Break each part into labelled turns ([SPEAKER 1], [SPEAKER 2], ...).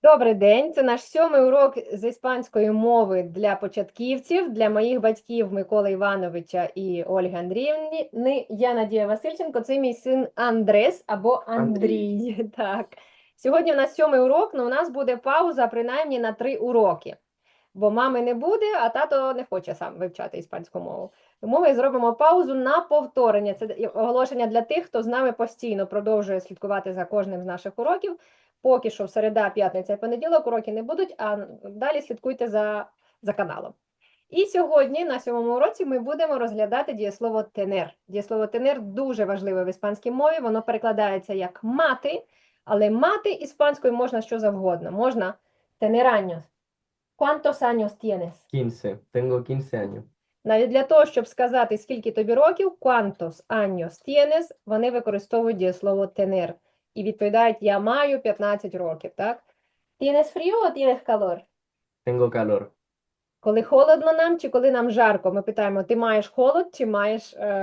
[SPEAKER 1] Добрий день, це наш 7-й урок з іспанської мови для початківців, для моїх батьків Миколи Івановича і Ольги Андріївни. Я Надія Васильченко, це мій син Андрес або Андрій. Так. Сьогодні у нас 7-й урок, але у нас буде пауза принаймні на 3 уроки, бо мами не буде, а тато не хоче сам вивчати іспанську мову. Тому ми зробимо паузу на повторення. Це оголошення для тих, хто з нами постійно продовжує слідкувати за кожним з наших уроків. Поки що в середа, п'ятниця і понеділок уроки не будуть, а далі слідкуйте за каналом. І сьогодні, на 7-му уроці, ми будемо розглядати дієслово «тенер». Дієслово «тенер» дуже важливе в іспанській мові, воно перекладається як «мати», але «мати» іспанською можна що завгодно. Можна «tener años». ¿Cuántos años tienes?
[SPEAKER 2] 15, tengo 15 años.
[SPEAKER 1] Навіть для того, щоб сказати, скільки тобі років, «cuántos años tienes», вони використовують дієслово «tener». І відповідають, я маю 15 років, так? Tienes frío o tienes calor?
[SPEAKER 2] Tengo calor.
[SPEAKER 1] Коли холодно нам чи коли нам жарко, ми питаємо, ти маєш холод чи маєш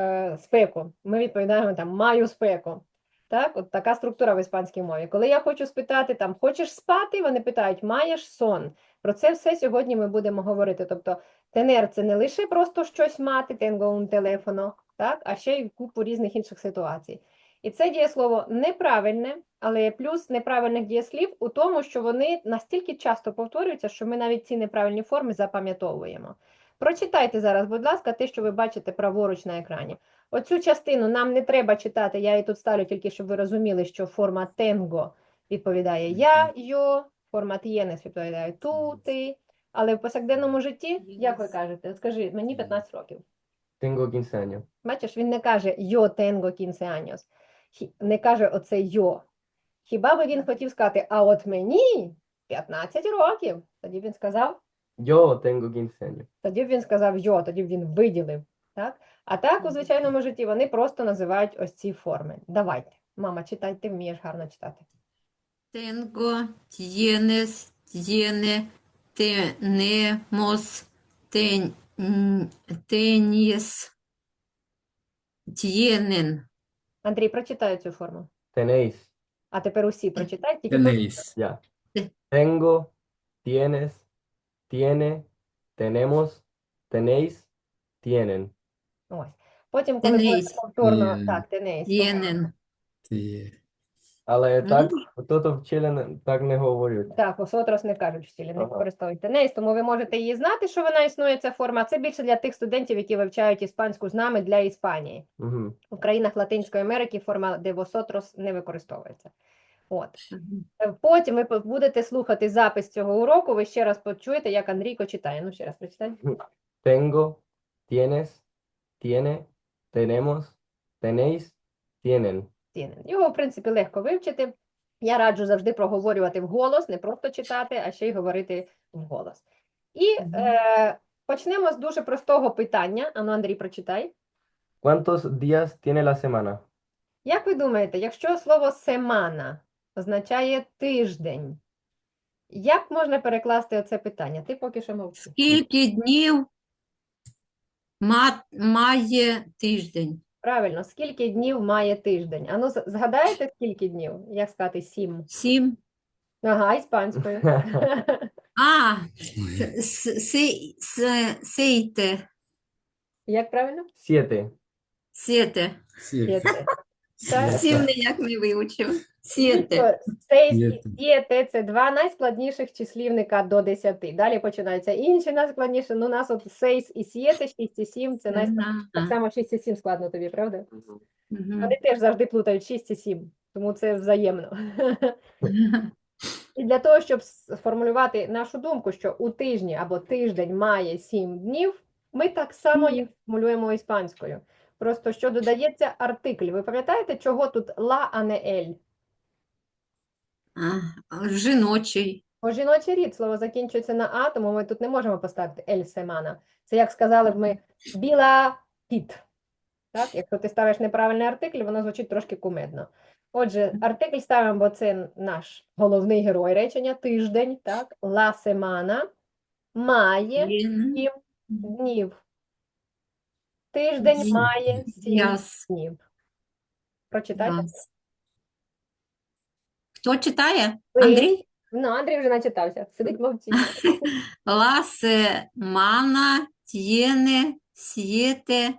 [SPEAKER 1] спеку? Ми відповідаємо, там, маю спеку. Так? От така структура в іспанській мові. Коли я хочу спитати, там, хочеш спати? Вони питають, маєш сон? Про це все сьогодні ми будемо говорити. Тобто, тенер – це не лише просто щось мати, tengo un teléfono, так? А ще й купу різних інших ситуацій. І це дієслово неправильне, але плюс неправильних дієслів у тому, що вони настільки часто повторюються, що ми навіть ці неправильні форми запам'ятовуємо. Прочитайте зараз, будь ласка, те, що ви бачите праворуч на екрані. Оцю частину нам не треба читати, я її тут ставлю тільки, щоб ви розуміли, що форма «tengo» відповідає «я», «йо», форма «tienes» відповідає «ту», «ти». Але в повсякденному житті, як ви кажете, скажи, мені 15 років.
[SPEAKER 2] Tengo 15 años.
[SPEAKER 1] Бачиш, він не каже «yo tengo 15 años», не каже оце «yo». Хіба би він хотів сказати, а от мені 15 років. Тоді б він сказав,
[SPEAKER 2] Yo tengo 15 años.
[SPEAKER 1] тоді б він сказав «yo», тоді б він виділив. Так? А так у звичайному житті вони просто називають ось ці форми. Давайте. Мама, читай, ти вмієш гарно читати.
[SPEAKER 3] Tengo, tienes, tiene, tenemos, tenis, tienen.
[SPEAKER 1] Андрій, прочитай цю форму.
[SPEAKER 2] Tenéis.
[SPEAKER 1] А тепер усі прочитайте. Тільки
[SPEAKER 4] Tenéis.
[SPEAKER 2] Ya.
[SPEAKER 3] Sí.
[SPEAKER 2] Tengo, tienes, tiene, tenemos, tenéis, tienen.
[SPEAKER 1] ось. Потім, коли
[SPEAKER 3] Тенейс.
[SPEAKER 1] будете повторно,
[SPEAKER 4] Ні.
[SPEAKER 1] так, тенейс.
[SPEAKER 3] Tienen.
[SPEAKER 4] Ті-
[SPEAKER 2] Але так,
[SPEAKER 3] Ну,
[SPEAKER 2] тут вчили так не говорять.
[SPEAKER 1] Так, осотрос не кажуть в стилі, не
[SPEAKER 2] Ага.
[SPEAKER 1] використовують тенейс, тому ви можете її знати, що вона існує, ця форма. Це більше для тих студентів, які вивчають іспанську з нами для Іспанії.
[SPEAKER 2] Угу.
[SPEAKER 1] В країнах Латинської Америки форма de vosotros не використовується. От. Потім ви будете слухати запис цього уроку, ви ще раз почуєте, як Андрійко читає. Ну, ще раз прочитай.
[SPEAKER 2] Tengo, tienes, tiene, tenemos, tenéis, tienen.
[SPEAKER 1] Тінен. Його, в принципі, легко вивчити. Я раджу завжди проговорювати вголос, не просто читати, а ще й говорити вголос. І почнемо з дуже простого питання. Ану, Андрій, прочитай.
[SPEAKER 2] ¿Cuántos días tiene la semana?
[SPEAKER 1] Як ви думаєте, якщо слово «семана» означає «тиждень», як можна перекласти оце питання? Ти поки що мовчи.
[SPEAKER 3] скільки днів має тиждень?
[SPEAKER 1] Правильно, скільки днів має тиждень? Ану, згадаєте, скільки днів? Як сказати 7?
[SPEAKER 3] 7.
[SPEAKER 1] Ага, іспанською.
[SPEAKER 3] А, сейте.
[SPEAKER 1] Як правильно?
[SPEAKER 2] Siete.
[SPEAKER 3] Сєте.
[SPEAKER 4] Сі-
[SPEAKER 1] Сієте. Так.
[SPEAKER 3] Сім ніяк не вивчив. Сєте.
[SPEAKER 1] Сейс і
[SPEAKER 4] Сієте.
[SPEAKER 1] сієте – це два найскладніших числівника до 10. Далі починаються інші найскладніші. Ну, у нас от сейс і сієте, 6 і 7 – це найскладніше. Так само 6 і 7 складно тобі, правда? Вони теж завжди плутають 6 і 7, тому це взаємно. І для того, щоб сформулювати нашу думку, що у тижні або тиждень має 7 днів, ми так само їх формулюємо іспанською. Просто що додається артикль. Ви пам'ятаєте, чого тут ла, а не ель?
[SPEAKER 3] Жіночий.
[SPEAKER 1] Бо жіночий рід, слово закінчується на а, тому ми тут не можемо поставити ель семана. Це як сказали б ми біла піт. Так? Якщо ти ставиш неправильний артикль, воно звучить трошки кумедно. Отже, артикль ставимо, бо це наш головний герой речення, тиждень, так? Ла семана має 7 днів. Тиждень
[SPEAKER 3] Ді-
[SPEAKER 1] має 7
[SPEAKER 3] Яс.
[SPEAKER 1] днів. Прочитайте.
[SPEAKER 3] Яс. Хто читає?
[SPEAKER 1] Ви.
[SPEAKER 3] Андрій?
[SPEAKER 1] Ну, Андрій вже начитався. Сидить мовчить.
[SPEAKER 3] La semana tiene siete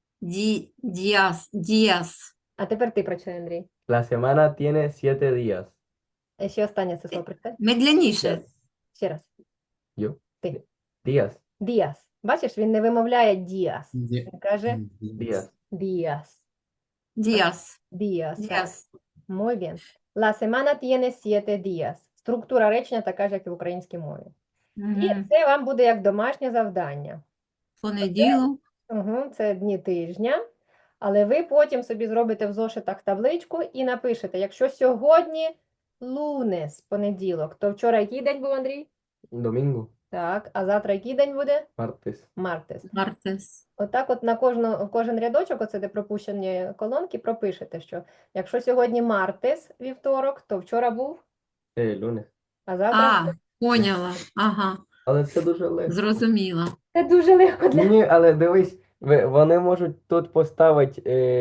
[SPEAKER 3] días.
[SPEAKER 1] А тепер ти прочитай, Андрій.
[SPEAKER 2] La semana tiene 7 días.
[SPEAKER 1] Ще останнє це слово прочитай.
[SPEAKER 3] Медленніше.
[SPEAKER 1] Ще раз.
[SPEAKER 2] Yo.
[SPEAKER 1] Ти.
[SPEAKER 2] Días.
[SPEAKER 1] Діас. Бачиш, він не вимовляє діас. Він каже
[SPEAKER 2] Días.
[SPEAKER 1] діас.
[SPEAKER 3] Días.
[SPEAKER 1] Діас. Так.
[SPEAKER 3] Días.
[SPEAKER 1] Muy bien. La semana tiene 7 días. Структура речення така ж, як і в українській мові. І
[SPEAKER 3] Мгм.
[SPEAKER 1] це вам буде як домашнє завдання.
[SPEAKER 3] Понеділок.
[SPEAKER 1] Це дні тижня. Але ви потім собі зробите в зошитах табличку і напишете, якщо сьогодні лунес, понеділок, то вчора який день був, Андрій?
[SPEAKER 2] Domingo.
[SPEAKER 1] Так, а завтра який день буде?
[SPEAKER 2] Martes.
[SPEAKER 1] Мартес.
[SPEAKER 3] Мартес.
[SPEAKER 1] Отак от на кожен рядочок, оце де пропущені колонки, пропишете, що якщо сьогодні мартес, вівторок, то вчора був,
[SPEAKER 2] Lunes.
[SPEAKER 1] а завтра
[SPEAKER 3] А, поняла. Ага,
[SPEAKER 2] Але це дуже легко.
[SPEAKER 3] зрозуміла.
[SPEAKER 1] це дуже легко для
[SPEAKER 2] Ні, але дивись, вони можуть тут поставити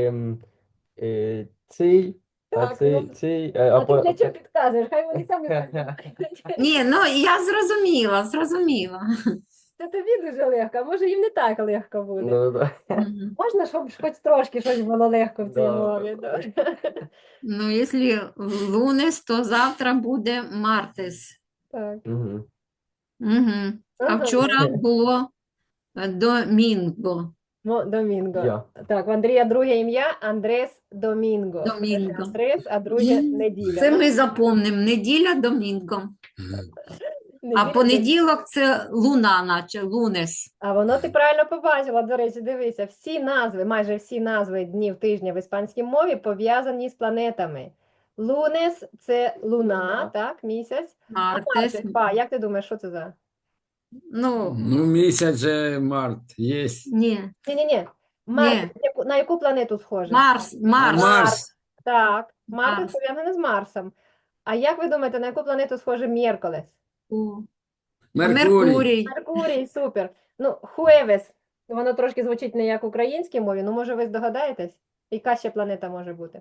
[SPEAKER 2] цей, а
[SPEAKER 1] Так,
[SPEAKER 2] цей,
[SPEAKER 1] ну,
[SPEAKER 2] цей,
[SPEAKER 1] А ти для чого підказуєш? Хай вони самі
[SPEAKER 3] Ні, ну я зрозуміла.
[SPEAKER 1] Це тобі дуже легко, а може їм не так легко буде.
[SPEAKER 2] Ну, да.
[SPEAKER 3] Мгм.
[SPEAKER 1] Можна, щоб хоч трошки щось було легко в цій
[SPEAKER 2] Да.
[SPEAKER 1] мові. Да.
[SPEAKER 3] Ну, якщо лунес, то завтра буде мартес.
[SPEAKER 1] Так.
[SPEAKER 2] Мгм.
[SPEAKER 3] Угу. А
[SPEAKER 1] Ага.
[SPEAKER 3] вчора було домінго.
[SPEAKER 1] Домінго.
[SPEAKER 2] Я.
[SPEAKER 1] Так, в Андрія друге ім'я Андрес Домінго.
[SPEAKER 3] Домінго.
[SPEAKER 1] Перше Андрес, а друге неділя.
[SPEAKER 3] Це
[SPEAKER 1] Ну,
[SPEAKER 3] ми запомнимо. Неділя домінго. А
[SPEAKER 1] неділя,
[SPEAKER 3] понеділок це луна, наче лунес.
[SPEAKER 1] А воно ти правильно побачила, до речі, дивися, всі назви, майже всі назви днів тижня в іспанській мові пов'язані з планетами. Лунес – це луна, так, місяць.
[SPEAKER 3] Мартес.
[SPEAKER 1] Як ти думаєш, що це за?
[SPEAKER 3] Ну,
[SPEAKER 4] Ну, місяць же март є.
[SPEAKER 3] ні.
[SPEAKER 1] Ні. Марс, на яку планету схоже?
[SPEAKER 3] Марс.
[SPEAKER 4] Марс.
[SPEAKER 1] Так, Марс
[SPEAKER 3] Марс.
[SPEAKER 1] пов'язаний з Марсом. А як ви думаєте, на яку планету схоже Мєрколес?
[SPEAKER 3] О,
[SPEAKER 4] Меркурій.
[SPEAKER 1] Меркурій, супер. Ну, Хуевес, воно трошки звучить не як в українській мові, ну може ви здогадаєтесь? Яка ще планета може бути?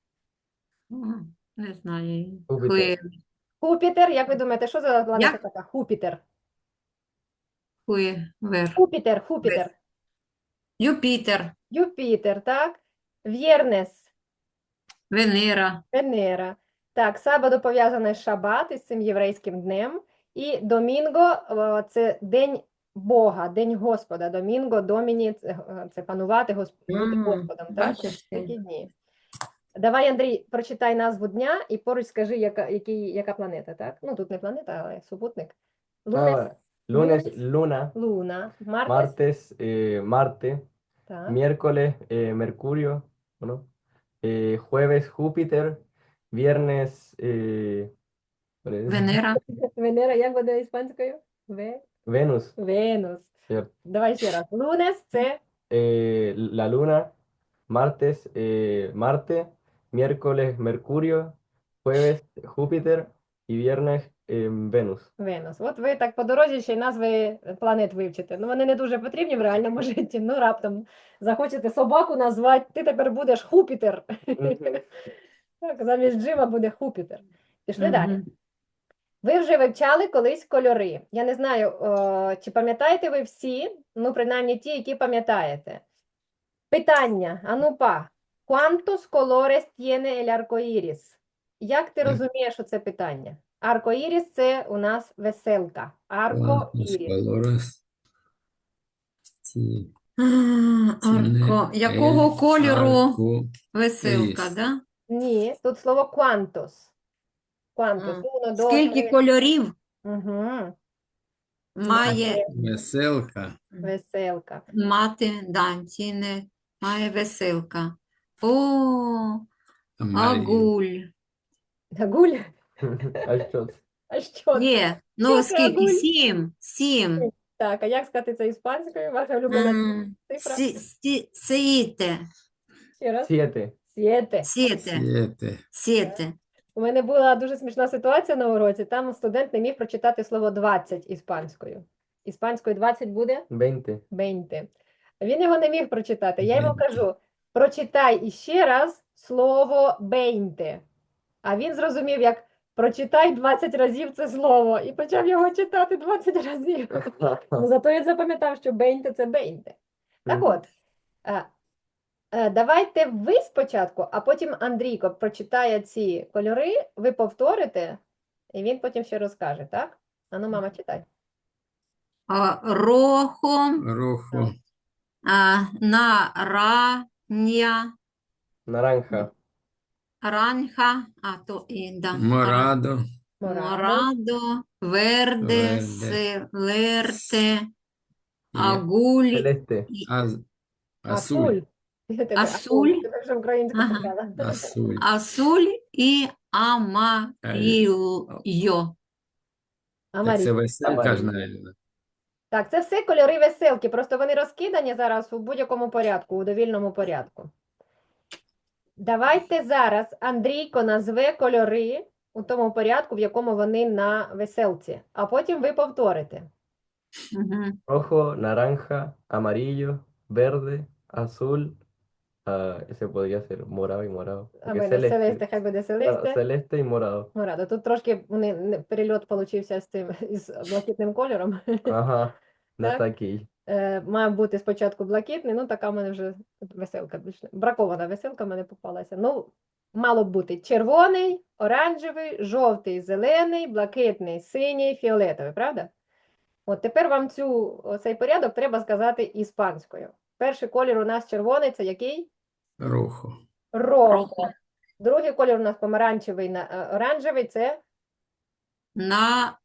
[SPEAKER 3] Не знаю.
[SPEAKER 2] Юпітер.
[SPEAKER 1] Юпітер, як ви думаєте, що за планета
[SPEAKER 3] Як?
[SPEAKER 1] така? Юпітер.
[SPEAKER 3] Хуєвер.
[SPEAKER 1] Юпітер.
[SPEAKER 3] Юпітер.
[SPEAKER 1] Юпітер, так? Вєрнес,
[SPEAKER 3] Венера.
[SPEAKER 1] Венера. Так, Сабадо пов'язане з Шабат, із цим єврейським днем. І Домінго – це День Бога, День Господа. Домінго, Доміні – це панувати, бути Господом. Так?
[SPEAKER 3] Бачиш?
[SPEAKER 1] Такі дні. Давай, Андрій, прочитай назву дня і поруч скажи, яка планета, так? Ну, тут не планета, але супутник. Лунес,
[SPEAKER 2] Lunes,
[SPEAKER 1] Lunes.
[SPEAKER 2] luna.
[SPEAKER 1] Луна. Мартес,
[SPEAKER 2] Martes, Marte.
[SPEAKER 1] так.
[SPEAKER 2] Miércoles, Mercurio. ¿No? Jueves, Júpiter. Viernes, ¿cuál es?
[SPEAKER 3] Венера.
[SPEAKER 1] Венера, як буде іспанською?
[SPEAKER 2] Venus.
[SPEAKER 1] Венус.
[SPEAKER 2] Cierto.
[SPEAKER 1] Давай ще раз. Лунес – це
[SPEAKER 2] La luna. Martes, Marte. Miércoles, Mercurio. Jueves, Júpiter. Y viernes, Venus.
[SPEAKER 1] Венус. От ви так по дорозі ще й назви планет вивчите. Ну, вони не дуже потрібні в реальному житті. Ну, раптом захочете собаку назвати, ти тепер будеш Хупітер. Так, замість Джима буде Хупітер. Пішли далі.
[SPEAKER 3] Мгм.
[SPEAKER 1] Ви вже вивчали колись кольори. Я не знаю, чи пам'ятаєте ви всі, ну, принаймні ті, які пам'ятаєте. Питання, анупа. ¿Cuántos colores tiene el arco iris? Як ти розумієш оце питання? Арко-іріс – це у нас веселка. Арко-іріс.
[SPEAKER 4] Colores. Sí.
[SPEAKER 3] Арко. Якого кольору
[SPEAKER 4] Arco
[SPEAKER 3] веселка,
[SPEAKER 4] iris.
[SPEAKER 3] да?
[SPEAKER 1] Ні, тут слово «cuántos». «Cuántos». Uno, dos,
[SPEAKER 3] Скільки
[SPEAKER 1] tres.
[SPEAKER 3] кольорів
[SPEAKER 1] Угу.
[SPEAKER 3] має
[SPEAKER 4] Веселка.
[SPEAKER 1] Веселка.
[SPEAKER 3] мати Дантіне? Має веселка. О,
[SPEAKER 4] Amarillo.
[SPEAKER 3] агуль.
[SPEAKER 1] Гуль?
[SPEAKER 2] А що це?
[SPEAKER 1] А що?
[SPEAKER 3] Ні,
[SPEAKER 1] Що
[SPEAKER 3] ну
[SPEAKER 1] це
[SPEAKER 3] скільки?
[SPEAKER 1] агуль?
[SPEAKER 3] 7.
[SPEAKER 1] Так, а як сказати це іспанською? Ваша улюблена
[SPEAKER 3] М,
[SPEAKER 1] цифра?
[SPEAKER 3] Сіте.
[SPEAKER 1] Ще раз.
[SPEAKER 2] Siete.
[SPEAKER 1] Сієте.
[SPEAKER 3] Сіте.
[SPEAKER 4] Siete.
[SPEAKER 3] Сіте.
[SPEAKER 1] У мене була дуже смішна ситуація на уроці. Там студент не міг прочитати слово 20 іспанською. Іспанською 20 буде
[SPEAKER 2] 20.
[SPEAKER 1] 20. Він його не міг прочитати. Я йому кажу, прочитай іще раз слово 20. А він зрозумів як Прочитай 20 разів це слово. І почав його читати 20 разів. Ну, зато я запам'ятав, що бейнте – це бейнте. Так
[SPEAKER 2] Мгм.
[SPEAKER 1] от, давайте ви спочатку, а потім Андрійко прочитає ці кольори, ви повторите, і він потім ще розкаже, так? Ану, мама, читай.
[SPEAKER 3] Рохо,
[SPEAKER 4] Руху.
[SPEAKER 3] нарання,
[SPEAKER 2] Нарanja.
[SPEAKER 3] ранха, то і да.
[SPEAKER 4] Морадо.
[SPEAKER 3] Морадо, верде,
[SPEAKER 4] Верде.
[SPEAKER 3] селерте,
[SPEAKER 4] І
[SPEAKER 3] агуль,
[SPEAKER 2] Celeste.
[SPEAKER 4] аз- Асуль.
[SPEAKER 1] Асуль. Я тебе
[SPEAKER 3] Асуль.
[SPEAKER 1] Тебе вже українську
[SPEAKER 3] Ага.
[SPEAKER 1] сказала.
[SPEAKER 4] Асуль.
[SPEAKER 3] асуль і амарільо.
[SPEAKER 4] Так це
[SPEAKER 1] Амарі.
[SPEAKER 4] веселка ж,
[SPEAKER 2] Амарі.
[SPEAKER 4] навіть.
[SPEAKER 1] Так, це все кольори веселки, просто вони розкидані зараз у будь-якому порядку, у довільному порядку. Давайте зараз Андрійко назве кольори у тому порядку, в якому вони на веселці, а потім ви повторите.
[SPEAKER 3] Мгм.
[SPEAKER 2] Rojo, naranja, amarillo, verde, azul. Ese podría ser morado y morado.
[SPEAKER 1] А
[SPEAKER 2] Porque
[SPEAKER 1] мене
[SPEAKER 2] celeste.
[SPEAKER 1] Селесте, хай буде
[SPEAKER 2] Bueno,
[SPEAKER 1] Селесте.
[SPEAKER 2] celeste y morado.
[SPEAKER 1] Морадо. Тут трошки перельот получився з цим із блакитним кольором.
[SPEAKER 2] Ajá. No
[SPEAKER 1] Так.
[SPEAKER 2] está aquí.
[SPEAKER 1] Має бути спочатку блакитний, ну така в мене вже веселка більше. Бракована веселка в мене попалася. Ну, мало б бути червоний, оранжевий, жовтий, зелений, блакитний, синій, фіолетовий, правда? От тепер вам цей порядок треба сказати іспанською. Перший колір у нас червоний, це який?
[SPEAKER 4] Руху.
[SPEAKER 1] Рохо. Другий колір у нас помаранчевий, оранжевий, це
[SPEAKER 3] На,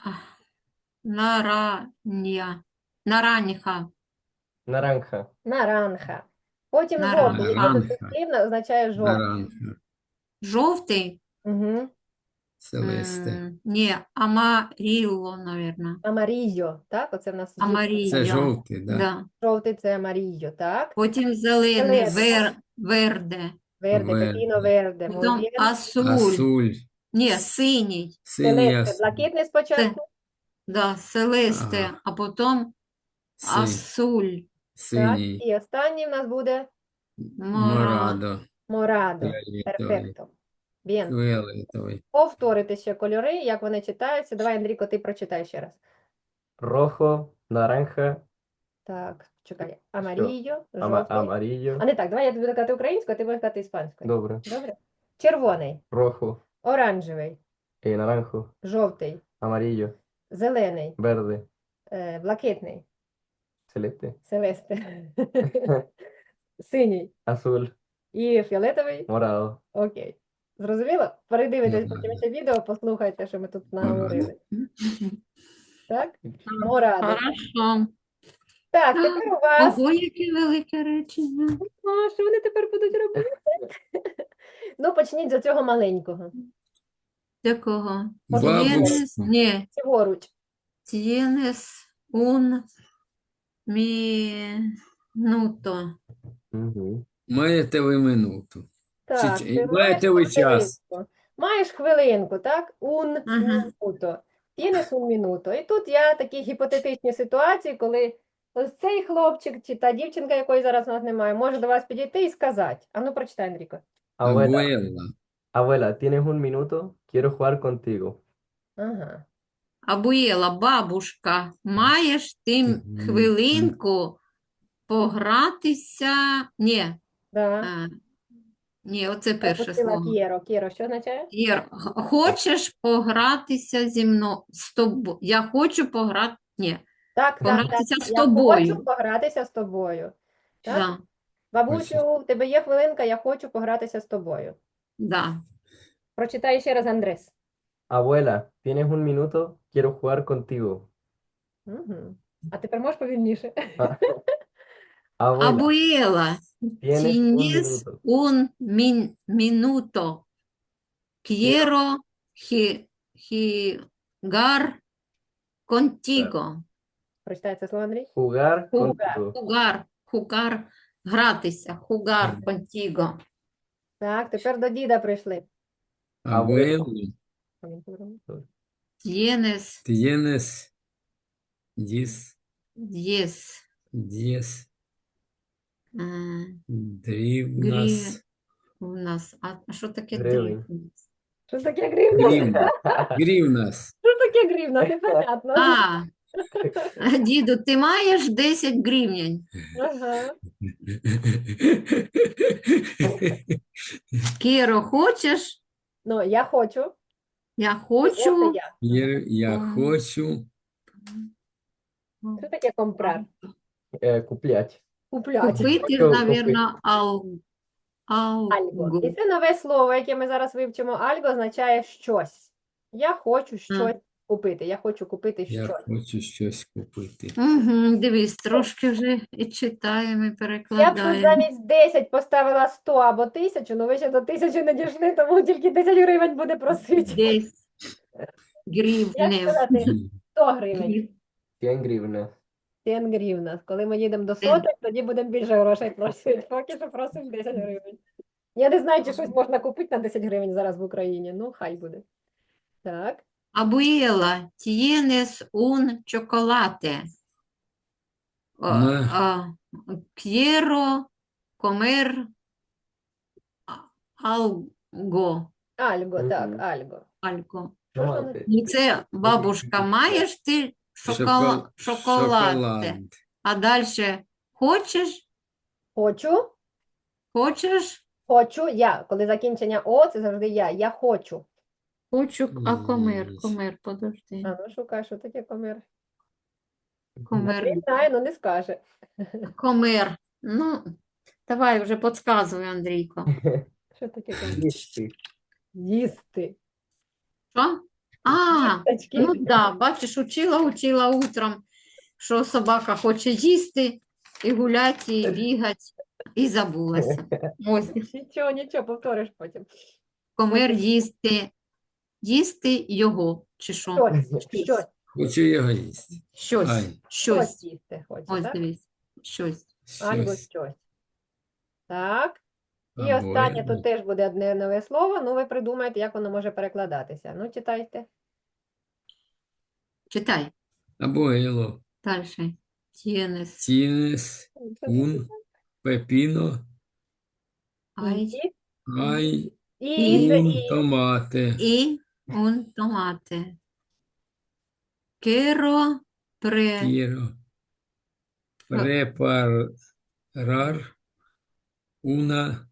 [SPEAKER 3] нарання, нараньха.
[SPEAKER 2] Naranja.
[SPEAKER 1] наранха. Потім
[SPEAKER 3] Наранха.
[SPEAKER 1] жовтий. Якщо
[SPEAKER 4] Наранха.
[SPEAKER 1] суспільно, означає жовтий.
[SPEAKER 4] Наранха.
[SPEAKER 3] Жовтий?
[SPEAKER 1] Угу.
[SPEAKER 4] Селесте.
[SPEAKER 3] Ні, амаріло, навірно.
[SPEAKER 1] Амарійо, так? Оце в нас є.
[SPEAKER 3] Амарійо.
[SPEAKER 4] Це жовтий, да?
[SPEAKER 3] Да.
[SPEAKER 1] Жовтий це амарійо, так?
[SPEAKER 3] Потім зелений,
[SPEAKER 1] Зелений.
[SPEAKER 3] верде.
[SPEAKER 1] Верде,
[SPEAKER 4] Верде.
[SPEAKER 1] пепіно верде. Muy
[SPEAKER 3] Потім
[SPEAKER 1] bien.
[SPEAKER 3] асуль.
[SPEAKER 4] Асуль.
[SPEAKER 3] Ні, синій.
[SPEAKER 4] Синій
[SPEAKER 1] Селесте,
[SPEAKER 4] асуль.
[SPEAKER 1] блакитний спочатку.
[SPEAKER 3] Да, селесте,
[SPEAKER 4] Ага.
[SPEAKER 3] а потім асуль.
[SPEAKER 1] Так,
[SPEAKER 4] Синій.
[SPEAKER 1] і останній в нас буде
[SPEAKER 4] Морадо.
[SPEAKER 1] морадо.
[SPEAKER 4] Фіолетовий.
[SPEAKER 1] Перфекто. Bien.
[SPEAKER 4] Фіолетовий.
[SPEAKER 1] Повторити ще кольори, як вони читаються. Давай, Андрійко, ти прочитай ще раз.
[SPEAKER 2] Rojo, naranja,
[SPEAKER 1] Так, чекай. Амарійо, жовтий.
[SPEAKER 2] amarillo.
[SPEAKER 1] А не так, давай я тобі буду казати українською, а ти будеш казати іспанською.
[SPEAKER 2] Добре.
[SPEAKER 1] Добре? Червоний,
[SPEAKER 2] Rojo,
[SPEAKER 1] оранжевий,
[SPEAKER 2] naranjo,
[SPEAKER 1] жовтий,
[SPEAKER 2] amarillo,
[SPEAKER 1] зелений,
[SPEAKER 2] verde,
[SPEAKER 1] блакитний,
[SPEAKER 2] celeste,
[SPEAKER 1] селесте, синій
[SPEAKER 2] azul,
[SPEAKER 1] і фіолетовий.
[SPEAKER 2] morado.
[SPEAKER 1] Окей. Зрозуміло? Передивитесь
[SPEAKER 4] Морадо.
[SPEAKER 1] потім це відео, послухайте, що ми тут наговорили.
[SPEAKER 3] Мгм.
[SPEAKER 1] Так? Морадо.
[SPEAKER 3] Хорошо.
[SPEAKER 1] Так, тепер у вас...
[SPEAKER 3] Ого, яке велике речення.
[SPEAKER 1] А, що вони тепер будуть робити? Ну, почніть з цього маленького.
[SPEAKER 3] Якого?
[SPEAKER 4] Бабушка.
[SPEAKER 3] Тienes, ні,
[SPEAKER 1] Цьогоруч.
[SPEAKER 3] tienes un minuto.
[SPEAKER 2] Ujú.
[SPEAKER 4] Маєте ви минуту.
[SPEAKER 1] Так,
[SPEAKER 4] Чи-
[SPEAKER 1] ти
[SPEAKER 4] маєте ви час?
[SPEAKER 1] хвилинку. Маєш хвилинку, так? Un
[SPEAKER 3] Ага.
[SPEAKER 1] minuto. Tienes un minuto. І тут я такі гіпотетичні ситуації, коли ось цей хлопчик чи та дівчинка, якої зараз у нас немає, може до вас підійти і сказати. А ну, прочитай, Андрійко.
[SPEAKER 2] Abuela,
[SPEAKER 4] Абуела.
[SPEAKER 2] abuela, ¿tienes un minuto? Quiero jugar contigo.
[SPEAKER 1] Ага.
[SPEAKER 3] Абуєла, бабушка, маєш ти
[SPEAKER 4] Мгм.
[SPEAKER 3] хвилинку погратися? Ні,
[SPEAKER 1] Да.
[SPEAKER 3] ні, оце перше
[SPEAKER 1] Пропустила
[SPEAKER 3] слово.
[SPEAKER 1] Кєро. Кєро, що означає?
[SPEAKER 3] Хочеш погратися зі мною? З тобою. Я хочу пограти. Ні,
[SPEAKER 1] Так, так, так.
[SPEAKER 3] погратися з
[SPEAKER 1] Я
[SPEAKER 3] тобою.
[SPEAKER 1] хочу погратися з тобою. Так?
[SPEAKER 3] Да,
[SPEAKER 1] Бабусю, в тебе є хвилинка, я хочу погратися з тобою.
[SPEAKER 3] да.
[SPEAKER 1] Прочитай ще раз, Андрес.
[SPEAKER 2] Abuela, ¿tienes un minuto? Quiero jugar contigo.
[SPEAKER 1] Угу. А тепер можеш повільніше?
[SPEAKER 2] Ah, Abuela,
[SPEAKER 3] Абуєла,
[SPEAKER 2] ¿tienes un
[SPEAKER 3] tienes
[SPEAKER 2] minuto?
[SPEAKER 3] un minuto. Quiero jugar contigo.
[SPEAKER 1] Прочитай це слово, Андрій.
[SPEAKER 2] Jugar
[SPEAKER 1] Jugar.
[SPEAKER 2] contigo.
[SPEAKER 3] Jugar, гратися, jugar contigo.
[SPEAKER 1] Так, тепер до діда прийшли.
[SPEAKER 4] Абуела.
[SPEAKER 3] Tienes
[SPEAKER 4] Tienes 10,
[SPEAKER 3] 10
[SPEAKER 4] 10
[SPEAKER 3] е,
[SPEAKER 4] дрібнас.
[SPEAKER 3] у нас. А що таке
[SPEAKER 2] Гривень.
[SPEAKER 3] дрібність?
[SPEAKER 1] Що таке гривна?
[SPEAKER 4] Гривна. Гривнас.
[SPEAKER 1] Що таке гривна? Непонятно.
[SPEAKER 3] А, діду, ти маєш 10 гривень?
[SPEAKER 1] Ага.
[SPEAKER 3] Кіро, хочеш?
[SPEAKER 1] Ну, я хочу.
[SPEAKER 3] Я
[SPEAKER 1] Це
[SPEAKER 3] хочу.
[SPEAKER 1] я.
[SPEAKER 4] Я хочу
[SPEAKER 1] Що таке компрар?
[SPEAKER 2] Куплять.
[SPEAKER 1] Купляти.
[SPEAKER 3] Купити,
[SPEAKER 2] Хочу
[SPEAKER 3] навірно,
[SPEAKER 1] Альго.
[SPEAKER 3] алго.
[SPEAKER 1] І це нове слово, яке ми зараз вивчимо. Альго означає щось. Я хочу щось купити. Я хочу купити
[SPEAKER 4] Я
[SPEAKER 1] щось.
[SPEAKER 4] хочу щось купити.
[SPEAKER 3] Угу, дивись, трошки вже і читаємо, і
[SPEAKER 1] Я б тут
[SPEAKER 3] перекладаємо.
[SPEAKER 1] замість 10 поставила 100 або 1000, але ви ще до 1000 не дійшли, тому тільки 10 гривень буде просити.
[SPEAKER 3] Десь
[SPEAKER 1] Як
[SPEAKER 3] гривнів.
[SPEAKER 1] сказати? 100 гривень.
[SPEAKER 3] Грив-
[SPEAKER 2] 100 гривен.
[SPEAKER 1] 100 гривень. Коли ми їдемо до сотень, тоді будемо більше грошей просити. Поки що просимо 10 гривень. Я не знаю, чи щось можна купити на 10 гривень зараз в Україні. Ну, хай буде. Так.
[SPEAKER 3] Abuela, tienes un chocolate.
[SPEAKER 4] На.
[SPEAKER 3] Quiero comer algo.
[SPEAKER 1] Альго, так,
[SPEAKER 2] Мгм.
[SPEAKER 1] альго.
[SPEAKER 3] Algo.
[SPEAKER 1] Що ж
[SPEAKER 2] Tomate.
[SPEAKER 3] І це, бабушка, маєш ти шоколад?
[SPEAKER 4] Шоколад.
[SPEAKER 3] А далі хочеш?
[SPEAKER 1] Хочу.
[SPEAKER 3] Хочеш?
[SPEAKER 1] Хочу я. Коли закінчення О, це завжди я. Я хочу.
[SPEAKER 3] Хочу, а комер,
[SPEAKER 4] Єсть.
[SPEAKER 3] подожди.
[SPEAKER 1] А ну шукай, що таке комер.
[SPEAKER 3] Комер,
[SPEAKER 1] Не знає, ну не скаже.
[SPEAKER 3] комер. Ну, давай вже підказуй, Андрійко.
[SPEAKER 1] Що таке комер?
[SPEAKER 2] Есть.
[SPEAKER 1] Їсти.
[SPEAKER 3] Що? А,
[SPEAKER 1] Діточки.
[SPEAKER 3] ну да, бачиш, учила утром, що собака хоче їсти і гуляти, і бігати, і забулася. Ось,
[SPEAKER 1] Нічого, нічого, повториш потім.
[SPEAKER 3] комер їсти його, чи що?
[SPEAKER 1] Щось.
[SPEAKER 4] Хочу його їсти.
[SPEAKER 3] Щось,
[SPEAKER 4] Ай.
[SPEAKER 1] Щось
[SPEAKER 3] щось.
[SPEAKER 1] їсти хоче,
[SPEAKER 3] Ось
[SPEAKER 1] так?
[SPEAKER 3] дивись, щось.
[SPEAKER 1] Альбо
[SPEAKER 4] Щось.
[SPEAKER 1] щось. Так. І
[SPEAKER 4] Або
[SPEAKER 1] останнє
[SPEAKER 4] я-
[SPEAKER 1] тут теж буде одне нове слово. Ну, ви придумаєте, як воно може перекладатися. Ну, читайте.
[SPEAKER 3] Читай.
[SPEAKER 4] Абуело.
[SPEAKER 3] Далі. Тienes.
[SPEAKER 4] Tienes un pepino.
[SPEAKER 3] Ай.
[SPEAKER 1] І,
[SPEAKER 4] Hay
[SPEAKER 1] і, це
[SPEAKER 4] un
[SPEAKER 1] і.
[SPEAKER 4] tomate.
[SPEAKER 3] І un tomate. Quiero
[SPEAKER 4] Quiero preparar una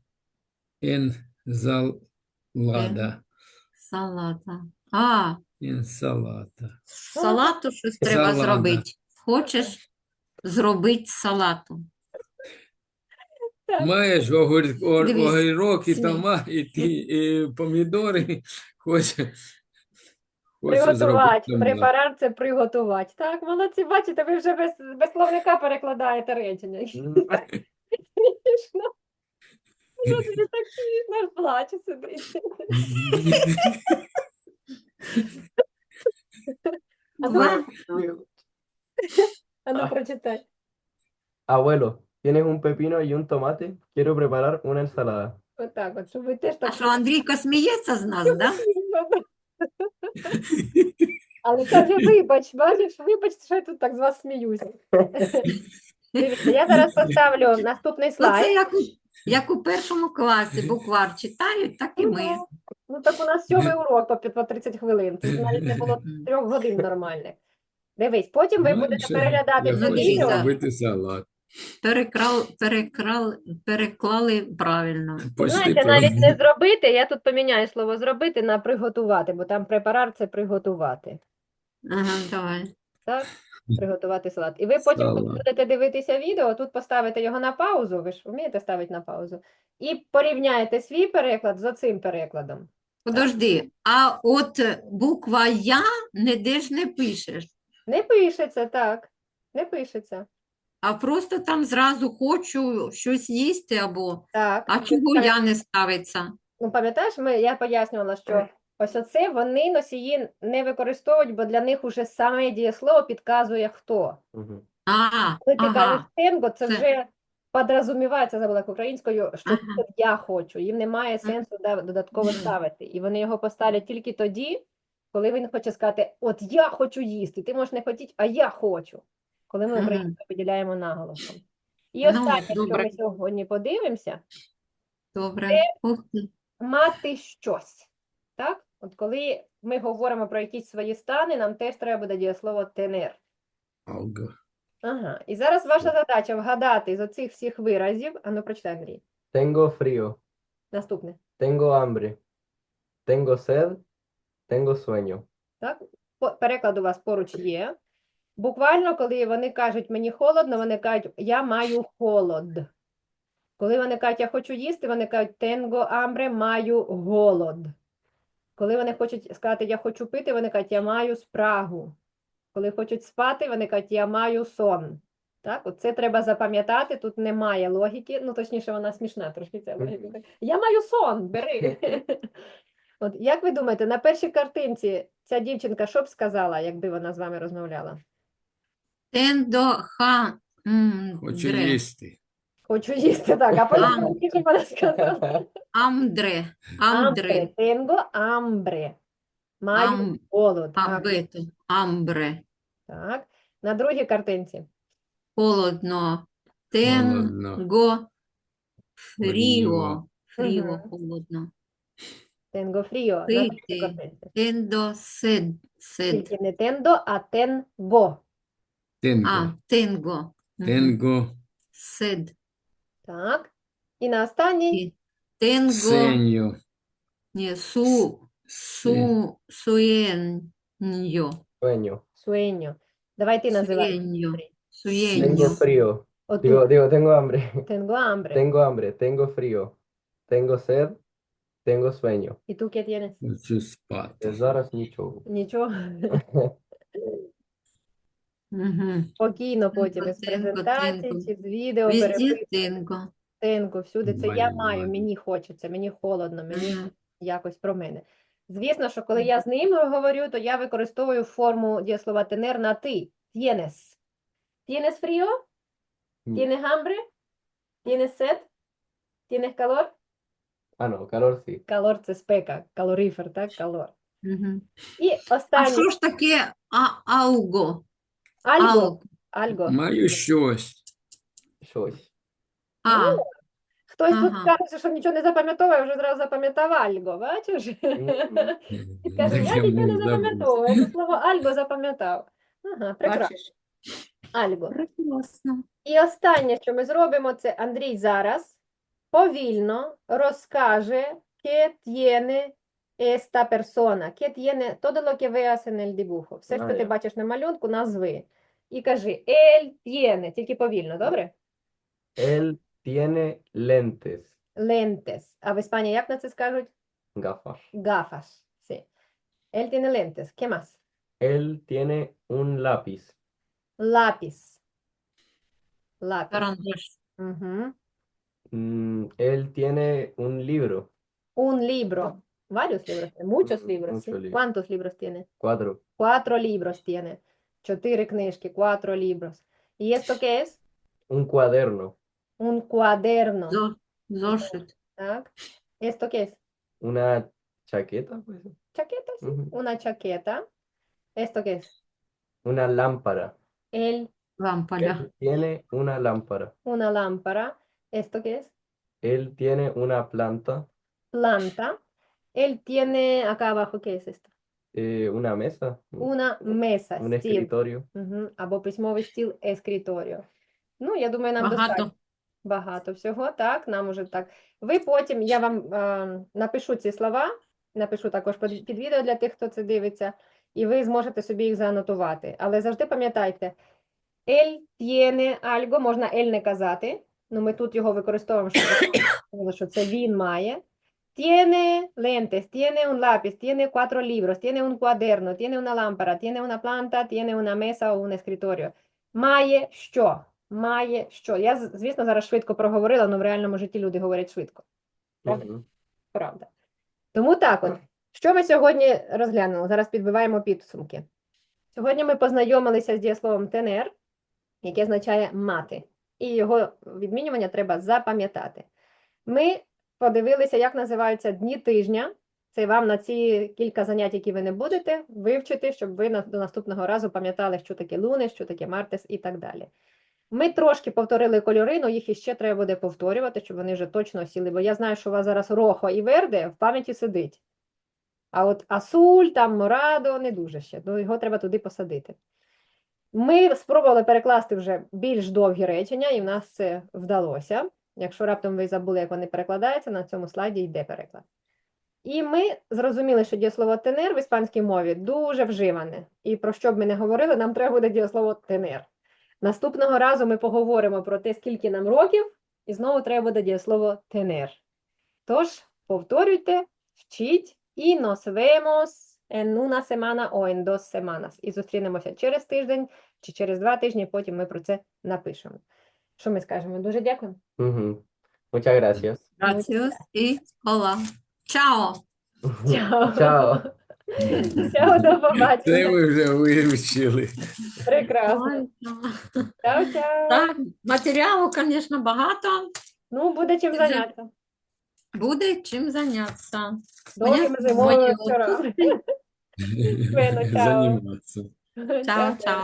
[SPEAKER 4] ensalada.
[SPEAKER 3] салата. А,
[SPEAKER 4] Ensalada.
[SPEAKER 3] салату щось треба
[SPEAKER 4] Салата.
[SPEAKER 3] зробити. Хочеш зробити салату?
[SPEAKER 1] Так.
[SPEAKER 4] Маєш
[SPEAKER 3] Дивись,
[SPEAKER 4] огірок і
[SPEAKER 3] смій.
[SPEAKER 4] томат, і помідори. Хочу
[SPEAKER 1] Приготувати.
[SPEAKER 4] зробити томат.
[SPEAKER 1] Препарат – це приготувати. Так, молодці, бачите, ви вже без словника перекладаєте речення. Смішно. Ну, тобі так смішно, аж плаче сидить. А ну, а ну, прочитай.
[SPEAKER 2] Abuelo, tienes un pepino y un tomate. Quiero preparar una ensalada.
[SPEAKER 1] Отак от, щоб ви теж
[SPEAKER 3] А
[SPEAKER 1] так
[SPEAKER 3] що, Андрійко сміється з нас, да?
[SPEAKER 1] Але каже, вибач, бачиш, вибач, що я тут так з вас сміюся. Дивіться, я зараз поставлю наступний
[SPEAKER 3] Ну, це
[SPEAKER 1] слайд.
[SPEAKER 3] як у першому класі буквар читають, так і ми.
[SPEAKER 1] Ну так у нас 7-й урок по 30 хвилин. Тут навіть не було 3 годин нормальних. Дивись, потім ви
[SPEAKER 4] Ну,
[SPEAKER 1] будете
[SPEAKER 4] що,
[SPEAKER 1] переглядати
[SPEAKER 4] я
[SPEAKER 1] це
[SPEAKER 3] хочу
[SPEAKER 1] відео.
[SPEAKER 3] дивіться.
[SPEAKER 4] зробити салат.
[SPEAKER 3] Переклали правильно.
[SPEAKER 4] Почти
[SPEAKER 1] Знаєте, навіть не
[SPEAKER 4] правильно.
[SPEAKER 1] зробити, я тут поміняю слово зробити на приготувати, бо там препарат це приготувати.
[SPEAKER 3] Ага, давай.
[SPEAKER 1] Так? Приготувати салат. І ви потім, коли
[SPEAKER 4] Салат.
[SPEAKER 1] будете дивитися відео, тут поставите його на паузу, ви ж вмієте ставити на паузу, і порівняєте свій переклад з оцим перекладом.
[SPEAKER 3] Подожди, а от буква Я ніде ж не пишеш,
[SPEAKER 1] Не пишеться так, не пишеться.
[SPEAKER 3] а просто там зразу хочу щось їсти або,
[SPEAKER 1] Так.
[SPEAKER 3] а чого Я не ставиться?
[SPEAKER 1] Ну, пам'ятаєш, я пояснювала, що ось оце вони носії не використовують, бо для них уже саме дієслово підказує хто.
[SPEAKER 2] Ujú.
[SPEAKER 1] Коли ти кажеш
[SPEAKER 3] Ага,
[SPEAKER 1] «тенго», це
[SPEAKER 3] Це-
[SPEAKER 1] вже подразумівається, забула як українською, що
[SPEAKER 3] Ага.
[SPEAKER 1] це я хочу. Їм немає сенсу додатково ставити. І вони його поставлять тільки тоді, коли він хоче сказати, от я хочу їсти. Ти можеш не хотіти, а я хочу. Коли ми
[SPEAKER 3] Мгм.
[SPEAKER 1] українською виділяємо наголосом. І
[SPEAKER 3] Ну,
[SPEAKER 1] останнє, що
[SPEAKER 3] добре.
[SPEAKER 1] ми сьогодні подивимося,
[SPEAKER 3] добре. Ух ти.
[SPEAKER 1] мати щось. Так? От коли ми говоримо про якісь свої стани, нам теж треба буде дієслово tener.
[SPEAKER 4] Алго.
[SPEAKER 1] Ага. І зараз ваша задача вгадати з оцих всіх виразів. Ану, прочитай, Андрій.
[SPEAKER 2] Tengo frío,
[SPEAKER 1] Наступне.
[SPEAKER 2] tengo hambre, tengo sed, tengo sueño.
[SPEAKER 1] Так? Переклад у вас поруч є. Буквально, коли вони кажуть мені холодно, вони кажуть я маю холод. Коли вони кажуть я хочу їсти, вони кажуть tengo hambre, маю голод. Коли вони хочуть сказати я хочу пити, вони кажуть я маю спрагу. Коли хочуть спати, вони кажуть я маю сон. Так? От це треба запам'ятати, тут немає логіки, ну точніше вона смішна трошки ця логіка. Так, я маю сон, бери. От, як ви думаєте, на першій картинці ця дівчинка що б сказала, якби вона з вами розмовляла?
[SPEAKER 3] Тендо
[SPEAKER 4] Хочу
[SPEAKER 3] хамдре.
[SPEAKER 4] їсти.
[SPEAKER 1] Хочу їсти, так, а потім
[SPEAKER 3] Ам.
[SPEAKER 1] що вона сказала?
[SPEAKER 3] Амдре.
[SPEAKER 1] Амбре,
[SPEAKER 3] Амдре.
[SPEAKER 1] тенго, амбре. Маю
[SPEAKER 3] Ам.
[SPEAKER 1] голод.
[SPEAKER 3] Абето. Амбре.
[SPEAKER 1] Так, на другій картинці.
[SPEAKER 3] Холодно.
[SPEAKER 4] Холодно.
[SPEAKER 3] Тенго.
[SPEAKER 4] Фріо.
[SPEAKER 3] Фріо.
[SPEAKER 1] Мгм.
[SPEAKER 3] Холодно.
[SPEAKER 1] Тенго фріо. На
[SPEAKER 3] Пити.
[SPEAKER 1] третій картинці.
[SPEAKER 3] Тендо сед. Сед.
[SPEAKER 1] Тільки не тендо, а тенго.
[SPEAKER 3] А, тенго. Мгм.
[SPEAKER 4] Тенго.
[SPEAKER 3] Сед.
[SPEAKER 1] Так. І на останній
[SPEAKER 3] І Тенго.
[SPEAKER 4] Сеньо.
[SPEAKER 3] Ні, суеньо.
[SPEAKER 2] Sueño.
[SPEAKER 1] суеньо. Давай ти називай.
[SPEAKER 3] Суеньо.
[SPEAKER 2] Tengo
[SPEAKER 3] Суеньо.
[SPEAKER 2] frío.
[SPEAKER 1] Отут.
[SPEAKER 2] Digo, tengo hambre.
[SPEAKER 1] Тенго амбре.
[SPEAKER 2] Tengo hambre, tengo frío, tengo sed, tengo sueño.
[SPEAKER 1] І тут я тienes?
[SPEAKER 4] Хочу спати.
[SPEAKER 2] Зараз нічого.
[SPEAKER 1] Нічого.
[SPEAKER 3] Мгм.
[SPEAKER 1] Спокійно потім
[SPEAKER 3] Тенго,
[SPEAKER 1] із
[SPEAKER 3] тенго,
[SPEAKER 1] презентації
[SPEAKER 3] тенго.
[SPEAKER 1] чи з відео
[SPEAKER 3] Везде
[SPEAKER 1] переписуй.
[SPEAKER 3] тенго.
[SPEAKER 1] Тенго, всюди це я
[SPEAKER 4] Буває,
[SPEAKER 1] маю,
[SPEAKER 4] буває.
[SPEAKER 1] мені хочеться, мені холодно, мені
[SPEAKER 3] Мгм.
[SPEAKER 1] якось про мене. Звісно, що коли я з ним говорю, то я використовую форму дієслова tener на ти. Tienes. Tienes frío?
[SPEAKER 2] Ні.
[SPEAKER 1] Tienes hambre? Tienes sed? Tienes calor?
[SPEAKER 2] Ah, no, calor sí.
[SPEAKER 1] Calor – це спека, калорифер, так? Calor.
[SPEAKER 3] Мгм.
[SPEAKER 1] І
[SPEAKER 3] А
[SPEAKER 1] останнє.
[SPEAKER 3] що ж таке алго?
[SPEAKER 1] Альго.
[SPEAKER 3] Алго.
[SPEAKER 1] Альго.
[SPEAKER 4] Маю щось.
[SPEAKER 2] Щось.
[SPEAKER 3] А,
[SPEAKER 1] Хтось тут
[SPEAKER 3] Ага.
[SPEAKER 1] каже, що нічого не запам'ятовує, вже зразу запам'ятав альго, бачиш? І каже,
[SPEAKER 4] Так
[SPEAKER 1] я
[SPEAKER 4] я
[SPEAKER 1] нічого не
[SPEAKER 4] можу
[SPEAKER 1] запам'ятовую, я слово альго запам'ятав. Ага, прекрасно.
[SPEAKER 3] бачиш?
[SPEAKER 1] Альго.
[SPEAKER 3] Прекрасно.
[SPEAKER 1] І останнє, що ми зробимо, це Андрій зараз повільно розкаже «Qué tiene esta persona?» «Qué tiene todo lo que veas en el dibujo?» Все, що ти
[SPEAKER 2] я.
[SPEAKER 1] бачиш на малюнку, назви. І кажи «Él tiene», тільки повільно, добре?
[SPEAKER 2] Él tiene lentes,
[SPEAKER 1] Lentes. А в Іспанії як на це скажуть?
[SPEAKER 2] gafas.
[SPEAKER 1] Gafas, sí. Él tiene lentes. ¿Qué más?
[SPEAKER 2] Él tiene un lápiz.
[SPEAKER 1] Lápiz. Lápiz.
[SPEAKER 3] Карандаш.
[SPEAKER 1] Ujú.
[SPEAKER 2] Él tiene un libro.
[SPEAKER 1] Un libro. Varios libros. Muchos libros,
[SPEAKER 2] Muchos
[SPEAKER 1] sí.
[SPEAKER 2] libros.
[SPEAKER 1] ¿Cuántos libros tiene?
[SPEAKER 2] 4.
[SPEAKER 1] 4 libros tiene. 4 книжки, 4 libros. ¿Y esto qué es?
[SPEAKER 2] Un cuaderno.
[SPEAKER 1] Un cuaderno.
[SPEAKER 3] Зошит.
[SPEAKER 1] ¿Tak? ¿Esto qué es?
[SPEAKER 2] Una chaqueta, pues.
[SPEAKER 1] Chaqueta, sí.
[SPEAKER 2] Ujú.
[SPEAKER 1] Una chaqueta. ¿Esto qué es?
[SPEAKER 2] Una lámpara.
[SPEAKER 1] Él,
[SPEAKER 3] Лампаля.
[SPEAKER 2] Él tiene una lámpara.
[SPEAKER 1] una lámpara. ¿Esto qué es?
[SPEAKER 2] Él tiene una planta.
[SPEAKER 1] Planta. Él tiene, acá abajo, ¿qué es esto?
[SPEAKER 2] Una mesa.
[SPEAKER 1] Una mesa,
[SPEAKER 2] Un
[SPEAKER 1] стіл.
[SPEAKER 2] escritorio.
[SPEAKER 1] Угу. Або письмовий стіл, ескріторіо. Ну, я думаю, нам
[SPEAKER 3] Багато.
[SPEAKER 1] достатньо. Багато всього, так, нам уже так. Ви потім, я вам напишу ці слова, напишу також під відео для тих, хто це дивиться, і ви зможете собі їх занотувати. Але завжди пам'ятайте, él tiene algo, можна él не казати, ну ми тут його використовуємо, щоб сказати, що це він має. Tiene lentes, tiene un lápiz, tiene 4 libros, tiene un cuaderno, tiene una lámpara, tiene una planta, tiene una mesa o un escritorio. Має що? Має що? Я, звісно, зараз швидко проговорила, але в реальному житті люди говорять швидко. Правда?
[SPEAKER 2] Ujú.
[SPEAKER 1] Правда. Тому так от, що ми сьогодні розглянули? Зараз підбиваємо підсумки. Сьогодні ми познайомилися з дієсловом tener, яке означає мати. І його відмінювання треба запам'ятати. Ми подивилися, як називаються дні тижня. Це вам на ці кілька занять, які ви не будете, вивчити, щоб ви до наступного разу пам'ятали, що таке лунес, що таке мартес і так далі. Ми трошки повторили кольори, але їх іще треба буде повторювати, щоб вони вже точно осіли. Бо я знаю, що у вас зараз рохо і верде в пам'яті сидить. А от асуль, там морадо не дуже ще, ну його треба туди посадити. Ми спробували перекласти вже більш довгі речення, і в нас це вдалося. Якщо раптом ви забули, як вони перекладаються, на цьому слайді йде переклад. І ми зрозуміли, що дієслово тенер в іспанській мові дуже вживане. І про що б ми не говорили, нам треба буде дієслово тенер. Наступного разу ми поговоримо про те, скільки нам років, і знову треба буде дієслово тенер. Тож, повторюйте, вчіть і nos vemos en una semana o en 2 semanas. І зустрінемося через тиждень чи через 2 тижні, потім ми про це напишемо. Що ми скажемо? Дуже дякуємо.
[SPEAKER 2] Ujú. Muchas gracias.
[SPEAKER 3] Gracias і hola. Чао!
[SPEAKER 1] Чао.
[SPEAKER 2] Chao.
[SPEAKER 1] Чао, до
[SPEAKER 4] Це
[SPEAKER 1] побачення.
[SPEAKER 4] ви вже вивчили.
[SPEAKER 1] Прекрасно.
[SPEAKER 3] Ой,
[SPEAKER 1] Чао, чао.
[SPEAKER 3] так, матеріалу, звісно, багато.
[SPEAKER 1] Ну, буде чим
[SPEAKER 3] Ти вже-
[SPEAKER 1] зайнятися.
[SPEAKER 3] Буде чим зайнятися.
[SPEAKER 1] Довгими
[SPEAKER 3] Понятно?
[SPEAKER 1] зимовими
[SPEAKER 3] Мої
[SPEAKER 1] вечорами.
[SPEAKER 3] отпуски.
[SPEAKER 1] Bueno, chao.
[SPEAKER 4] Займатися.
[SPEAKER 3] Чао, чао.